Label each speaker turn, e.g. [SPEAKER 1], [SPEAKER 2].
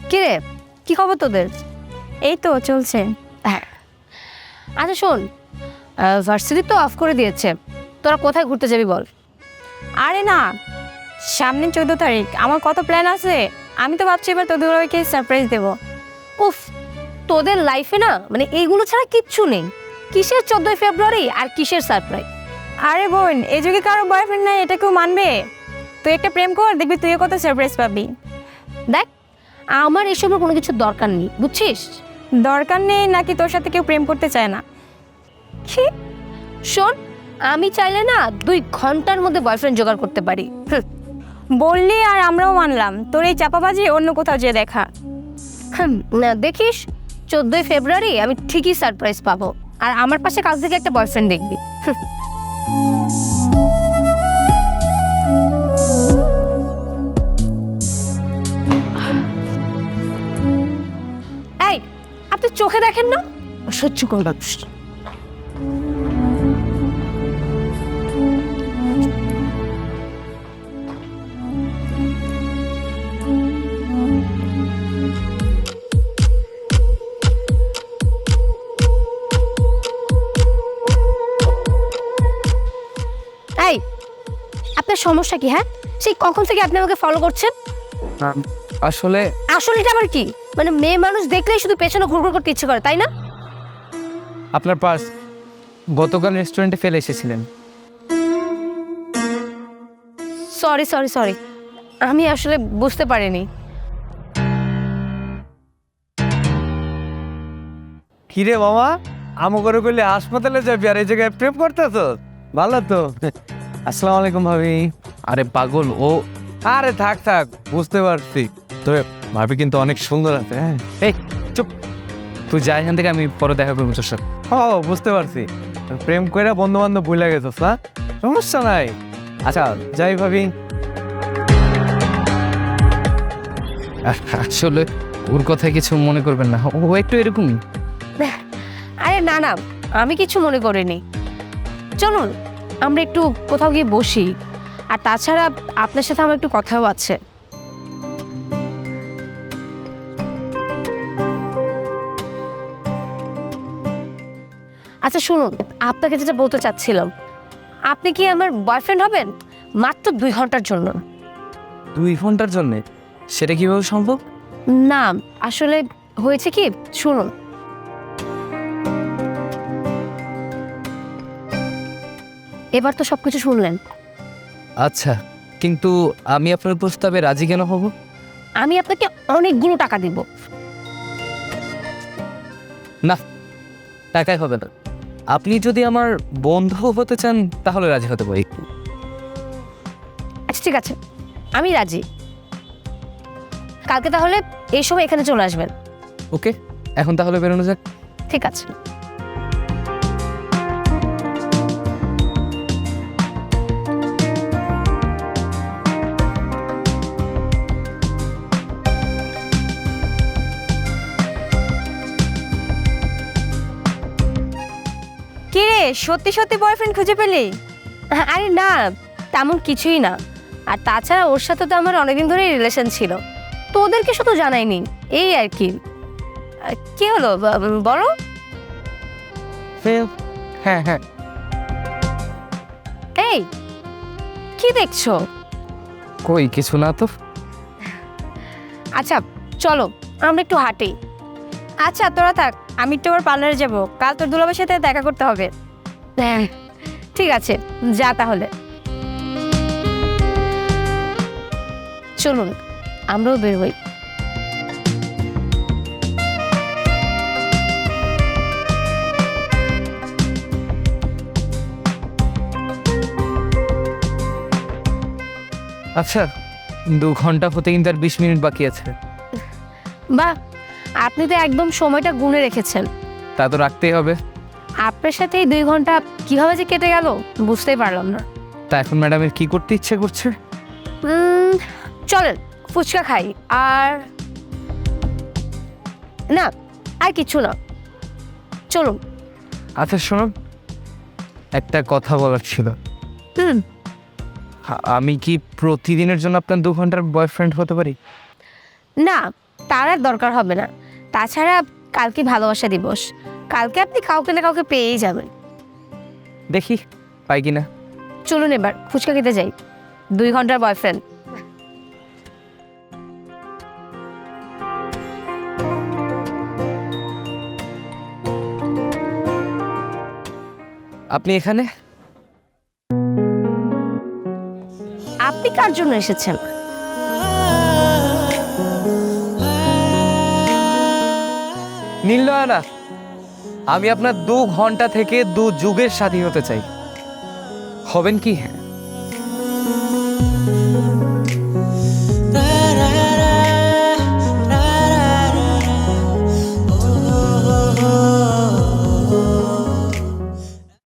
[SPEAKER 1] কি রে, কি খবর তোদের?
[SPEAKER 2] এই তো চলছে।
[SPEAKER 1] হ্যাঁ, আচ্ছা শোন, ভার্সিটি তো অফ করে দিয়েছে, তোরা কোথায় ঘুরতে যাবি বল?
[SPEAKER 2] আরে না, সামনে 14 তারিখ আমার কত প্ল্যান আছে। আমি তো ভাবছি এবার তোদের ওকে সারপ্রাইজ দেবো।
[SPEAKER 1] উফ, তোদের লাইফে না মানে এইগুলো ছাড়া কিচ্ছু নেই। কিসের 14 ফেব্রুয়ারি আর কিসের সারপ্রাইজ?
[SPEAKER 2] আরে বোন, এই যুগে কারো বয়ফ্রেন্ড নাই, এটা কেউ মানবে? তুই একটা প্রেম কর, দেখবি তুইও কত সারপ্রাইজ পাবি।
[SPEAKER 1] দেখ, আমার এসবের কোনো কিছু দরকার নেই, বুঝছিস?
[SPEAKER 2] দরকার নেই নাকি তোর সাথে কেউ প্রেম করতে চায় না?
[SPEAKER 1] কি? শোন, আমি চাইলে না 2 ঘন্টার মধ্যে বয়ফ্রেন্ড জোগাড় করতে পারি।
[SPEAKER 2] বললি আর আমরাও মানলাম, তোর এই চাপাবাজি অন্য কোথাও যেয়ে দেখা।
[SPEAKER 1] না দেখিস, 14 ফেব্রুয়ারি আমি ঠিকই সারপ্রাইজ পাবো, আর আমার পাশে কাল থেকে একটা বয়ফ্রেন্ড দেখবি। এই, আপনি চোখে দেখেন না? সহ্য করলাম। এই, আপনার সমস্যা কি? হ্যাঁ, সেই কখন থেকে আপনি আমাকে ফলো করছেন?
[SPEAKER 3] আসলে
[SPEAKER 1] আসলেটা আবার কি? মানে মেয়ে মানুষ দেখলেই শুধু পেছনে ঘুরঘুর করতে ইচ্ছে করে, তাই না?
[SPEAKER 3] আপনার পার্স গতকাল রেস্টুরেন্টে ফেলে এসেছিলেন।
[SPEAKER 1] সরি সরি সরি, আমি আসলে বুঝতে পারিনি।
[SPEAKER 4] কিরে মামা, আমো করে করলে হাসপাতালে যাবি আর এই জায়গায় প্রেম করতেছ? ভালো তো। আসসালামু আলাইকুম ভাবি।
[SPEAKER 3] আরে পাগল ও।
[SPEAKER 4] আরে থাক থাক, বুঝতে পারছি। তবে ভাবি কিন্তু অনেক সুন্দর আছে। হ্যাঁ,
[SPEAKER 3] এই চুপ, তুই যা এখান থেকে, আমি পরে দেখা করবো তোর সাথে।
[SPEAKER 4] ও বুঝতে পারছি, প্রেম করে বন্ধু বান্ধব ভুলে গেছস না? সমস্যা নাই। আচ্ছা যাই ভাবি।
[SPEAKER 3] আসলে ওর কথায় কিছু মনে করবেন না, ও একটু এরকমই।
[SPEAKER 1] আরে না না, আমি কিছু মনে করিনি। চলুন আমরা একটু কোথাও গিয়ে বসি, আর তাছাড়া আপনার সাথে আমার একটু কথাও আছে। আচ্ছা শুনুন, আপনাকে যেটা বলতে চাচ্ছিলাম, আপনি কি আমার বয়ফ্রেন্ড হবেন? মাত্র 2 ঘন্টার জন্য।
[SPEAKER 3] 2 ঘন্টার জন্যে? সেটা কিভাবে সম্ভব?
[SPEAKER 1] না আসলে হয়েছে কি, শুনুন। এবার তো সবকিছু শুনলেন।
[SPEAKER 3] আচ্ছা, কিন্তু আমি আপনার প্রস্তাবে রাজি কেন হব?
[SPEAKER 1] আমি আপনাকে অনেকগুলো টাকা দিব।
[SPEAKER 3] না, টাকায় হবে না। আপনি যদি আমার বন্ধু হতে চান তাহলে রাজি হতে পারি।
[SPEAKER 1] আচ্ছা ঠিক আছে, আমি রাজি। কালকে তাহলে এই সময় এখানে চলে আসবেন।
[SPEAKER 3] ওকে, এখন তাহলে বেরোনো যাক।
[SPEAKER 1] ঠিক আছে।
[SPEAKER 2] কি রে, সত্যি সত্যি বয়ফ্রেন্ড খুঁজে পেলি?
[SPEAKER 1] আরে না, তেমন কিছুই না। আর তাছাড়া ওর সাথে তো আমার অনেকদিন ধরেই রিলেশন ছিল, তো ওদেরকে শুধু জানাইনি, এই আর কি। কি হলো বলো?
[SPEAKER 3] হ্যাঁ হ্যাঁ,
[SPEAKER 1] এই, কি দেখছো?
[SPEAKER 3] কই কিছু না তো।
[SPEAKER 1] আচ্ছা চলো আমরা একটু হাঁটি।
[SPEAKER 2] আচ্ছা তোরা থাক, আমি একটু আবার পার্লারে যাবো, কাল তোর দুলাভাইয়ের সাথে দেখা করতে হবে।
[SPEAKER 1] হ্যাঁ ঠিক আছে, যা তাহলে। চলুন আমরাও বের হই।
[SPEAKER 3] আচ্ছা, 2 ঘন্টা হতে কিন্তু আর 20 মিনিট বাকি আছে।
[SPEAKER 1] বাহ, আপনি তো একদম সময়টা গুনে রেখেছেন।
[SPEAKER 3] তা তো রাখতেই হবে।
[SPEAKER 1] আপনার সাথে এই 2 ঘন্টা কিভাবে যে কেটে গেল বুঝতেই পারলাম না।
[SPEAKER 3] তা এখন ম্যাডামের কি করতে ইচ্ছে করছে?
[SPEAKER 1] চলেন ফুচকা খাই। আর না, আর কিছু না, চলুন।
[SPEAKER 3] আচ্ছা শোনো, একটা কথা বলার ছিল।
[SPEAKER 1] হুম,
[SPEAKER 3] আমি কি প্রতিদিনের জন্য আপনার 2 ঘন্টার বয়ফ্রেন্ড হতে পারি?
[SPEAKER 1] না তার আর দরকার হবে না। তাছাড়া কালকে ভালোবাসা দিবস, কালকে আপনি কাউকে না কাউকে পেয়েই যাবেন।
[SPEAKER 3] দেখি পাই কি না।
[SPEAKER 1] চলুন এবার ফুচকা খেতে যাই, 2 ঘন্টার বয়ফ্রেন্ড।
[SPEAKER 3] আপনি এখানে?
[SPEAKER 1] আপনি কার জন্য এসেছেন?
[SPEAKER 3] নীলনয়না, আমি আপনার 2 ঘন্টা থেকে 2 যুগের সাথী হতে চাই। হবেন কি?